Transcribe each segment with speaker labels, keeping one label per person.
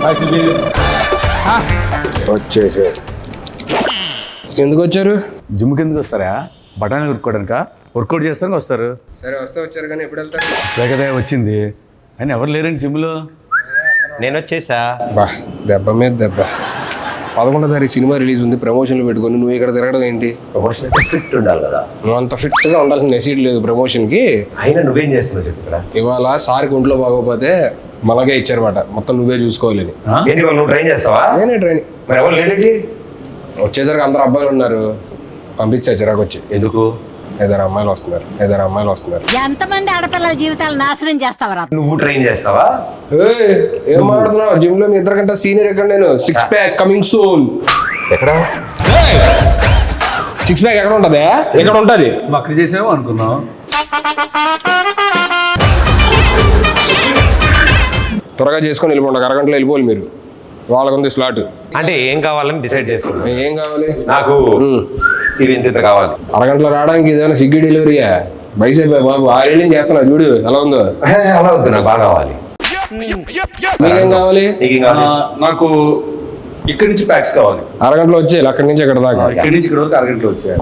Speaker 1: వచ్చేసారు. ఎందుకు వచ్చారు?
Speaker 2: జిమ్కి ఎందుకు వస్తారా? బఠానీ ఉరుక్కోవడానిక? వర్కౌట్ చేస్తానికి వస్తారు.
Speaker 1: సరే వస్తే వచ్చారు కానీ ఎప్పుడు వెళ్తారు?
Speaker 2: లేకదే వచ్చింది అని ఎవరు లేరండి జిమ్లో.
Speaker 3: నేను వచ్చేసా.
Speaker 1: బా దెబ్బ మీద దెబ్బ. 11వ తారీఖు సినిమా రిలీజ్ ఉంది, ప్రమోషన్లు పెట్టుకొని నువ్వు ఇక్కడ తిరగడం ఏంటి?
Speaker 3: ప్రమోషన్ ఫిట్ ఉండాలి కదా.
Speaker 1: నువ్వు అంత ఫిట్గా ఉండాల్సిన నెసీడ్ లేదు ప్రమోషన్కి.
Speaker 3: అయినా నువ్వేం చేస్తున్నావు చెప్పు ఇక్కడ.
Speaker 1: ఇవాళ సార్కి ఒంట్లో బాగోకపోతే మనకే ఇచ్చారన్నమాట, మొత్తం నువ్వే చూసుకోవాలని.
Speaker 3: ఏంటి వాళ్ళు నువ్వు ట్రైన్ చేస్తావా?
Speaker 1: నేనే ట్రైనింగ్.
Speaker 3: మరి ఎవరు లేడీ?
Speaker 1: వచ్చేసరికి అందరు అబ్బాయిలు ఉన్నారు, పంపించా చిరాకు వచ్చి.
Speaker 3: ఎందుకు?
Speaker 1: 5 అమ్మాయిలు వస్తున్నారు.
Speaker 4: ఎంతమంది ఆడపిల్లల జీవితాలు నాశనం చేస్తావరా?
Speaker 3: నువ్వు ట్రైన్ చేస్తావా?
Speaker 1: ఏం మాట్లాడుతున్నావు? జిమ్ లో మీ 2 గంటల సీనియర్ ఎక్కడ? నేను 6 ప్యాక్ కమింగ్ సూన్.
Speaker 3: ఎక్కడ
Speaker 1: 6 ప్యాక్ ఎక్కడ ఉంటది? ఎక్కడ ఉంటది?
Speaker 2: అక్కడ చేసామో అనుకున్నాం.
Speaker 1: త్వరగా చేసుకొని వెళ్ళిపోండి, 1 అరగంటలో వెళ్ళిపోవాలి మీరు. వాళ్ళకుంది స్లాట్.
Speaker 3: అంటే ఏం కావాలని డిసైడ్ చేసుకున్నా.
Speaker 1: ఏం కావాలి?
Speaker 3: నాకు ఇది ఇంత కావాలి.
Speaker 1: 1 అరగంటలో రావడానికి ఏదైనా స్విగ్గీ డెలివరీయా? బైసేపు బాబు 6 ఏళ్ళని చేస్తున్నా చూడు ఎలా ఉందో.
Speaker 3: అలా వద్దు, నాకు బాగా కావాలి.
Speaker 1: మీకేం కావాలి?
Speaker 3: నీకేం కావాలి?
Speaker 2: నాకు ఇక్కడి నుంచి ప్యాక్స్ కావాలి.
Speaker 1: 1 అరగంటలో వచ్చేయాలి, అక్కడి నుంచి ఎక్కడ దాకా.
Speaker 2: ఇక్కడి నుంచి ఇక్కడ వరకు 1 అరగంటలో వచ్చాయి.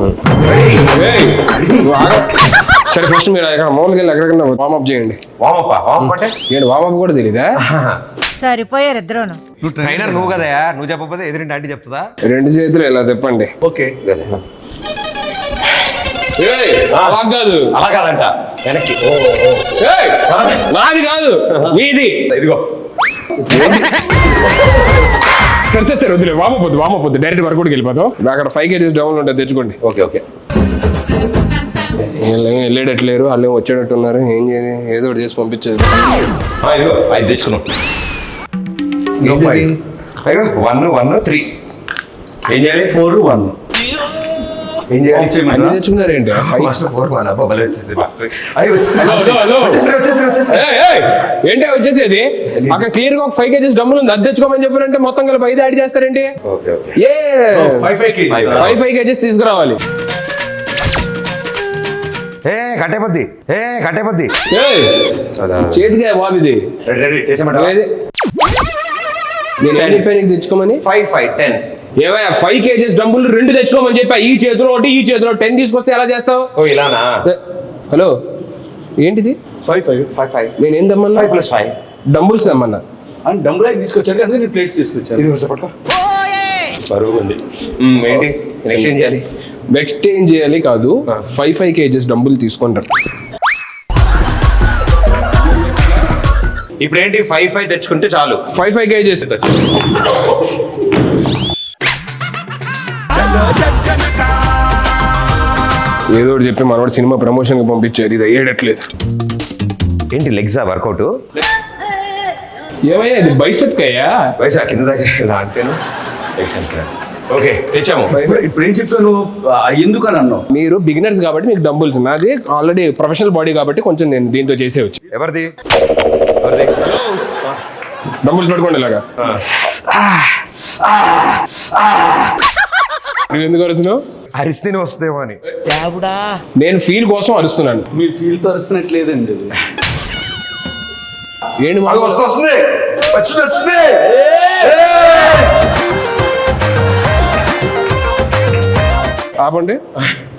Speaker 1: సరే ఫస్ట్ మీరు ఎక్కడ మామూలుగా వెళ్ళి ఎక్కడికన్నా వార్మప్ చేయండి.
Speaker 3: వామప్ అంటే
Speaker 1: ఏంటి వార్మప్ కూడా తెలీదా?
Speaker 4: సరిపోయారు ఇద్దరును.
Speaker 3: ట్రైనర్ నువ్వు కదా, నువ్వు చెప్పకపోతే ఎదురింటి ఆంటీ చెప్తుందా?
Speaker 1: 2 చేతులు ఇలా తిప్పండి.
Speaker 3: ఓకే.
Speaker 1: అలా కాదు,
Speaker 3: అలా కాదంట, వెనక్కి.
Speaker 1: నాది కాదు మీది.
Speaker 3: ఇదిగో
Speaker 1: సరే వద్దులే, వామపోద్దు డైరెక్ట్ వర్కౌట్కి వెళ్ళిపోతాం. అక్కడ 5 kgs డౌన్ ఉంటుంది, తెచ్చుకోండి.
Speaker 3: ఓకే.
Speaker 1: వెళ్ళేటట్లేరు, వాళ్ళు వచ్చేటట్టు ఉన్నారు. ఏం చేయాలి? ఏదో ఒకటి చేసి పంపించేది.
Speaker 3: ఇదిగో 5 తెచ్చుకున్నాం. 1 3 ఏం చేయాలి? 4 1 ఏం చేయాలి?
Speaker 1: అన్ని తెచ్చుకున్నారు ఏంటి? ఏంటి వచ్చేసేది? అక్కడ క్లియర్ గా 5 kgs డబ్బులు ఉంది, అది తెచ్చుకోమని చెప్పారంటే మొత్తం కలిపి 5 యాడ్ చేస్తారేంటి? 5 kgs తీసుకురావాలి.
Speaker 3: కట్టేపద్ది
Speaker 1: చేతికే బాబు ఇది. నేను ఏం చెప్పాను నీకు తెచ్చుకోమని?
Speaker 3: 5 5 10
Speaker 1: ఏమయ్యా 5 kgs డబ్బులు 2 తెచ్చుకోమని చెప్పా. ఈ చేతిలో ఒకటి, ఈ చేతిలో 10 తీసుకొస్తే ఎలా చేస్తావు?
Speaker 3: ఇలానా?
Speaker 1: హలో ఏంటిది?
Speaker 2: 5 5 5
Speaker 1: నేను ఏం తెమ్మన్నా?
Speaker 3: 5 + 5
Speaker 1: డంబుల్స్ తెమ్మన్నా.
Speaker 2: అని డంబుల్ తీసుకొచ్చాడు, అందుకే నేను ప్లేట్స్ తీసుకొచ్చాను.
Speaker 3: ఇది పట్టుకో. బరువు ఉంది. ఏంటి నెక్స్ట్ ఏం చేయాలి?
Speaker 1: నెక్స్ట్ ఏం చేయాలి కాదు, 5 kgs డంబుల్ తీసుకుంటారు.
Speaker 3: ఇప్పుడు ఏంటి? 5 5 తెచ్చుకుంటే చాలు.
Speaker 1: 5 kgs. ఏదో ఒకటి చెప్పి మనవాడు సినిమా ప్రమోషన్ కి పంపించారు, ఇది అయ్యేటట్లేదు.
Speaker 3: ఏంటి లెగ్సా వర్కౌట్?
Speaker 1: ఏమయ్యా ఇది బైసెప్ అయ్యా?
Speaker 3: వయసు కింద దాకా ఇలా అంటేను. ఓకే తెచ్చాము.
Speaker 2: ఇప్పుడు ఏం చెప్తావు నువ్వు? ఎందుకు అని అన్నావు?
Speaker 1: మీరు బిగినర్స్ కాబట్టి మీకు డంబుల్స్, నాది ఆల్రెడీ ప్రొఫెషనల్ బాడీ కాబట్టి కొంచెం నేను దీంతో చేసేవచ్చు.
Speaker 3: ఎవరిది?
Speaker 1: డంబుల్స్ పట్టుకోండి ఇలాగా. నువ్వు ఎందుకు అరుస్తున్నావు?
Speaker 3: అరిస్తేనే వస్తుందేమో అని.
Speaker 1: నేను ఫీల్ కోసం అరుస్తున్నాను.
Speaker 2: మీరు ఫీల్ తో అరుస్తున్నట్లేదండి.
Speaker 1: ఏంటి
Speaker 3: వస్తుంది.
Speaker 1: ఆపండి.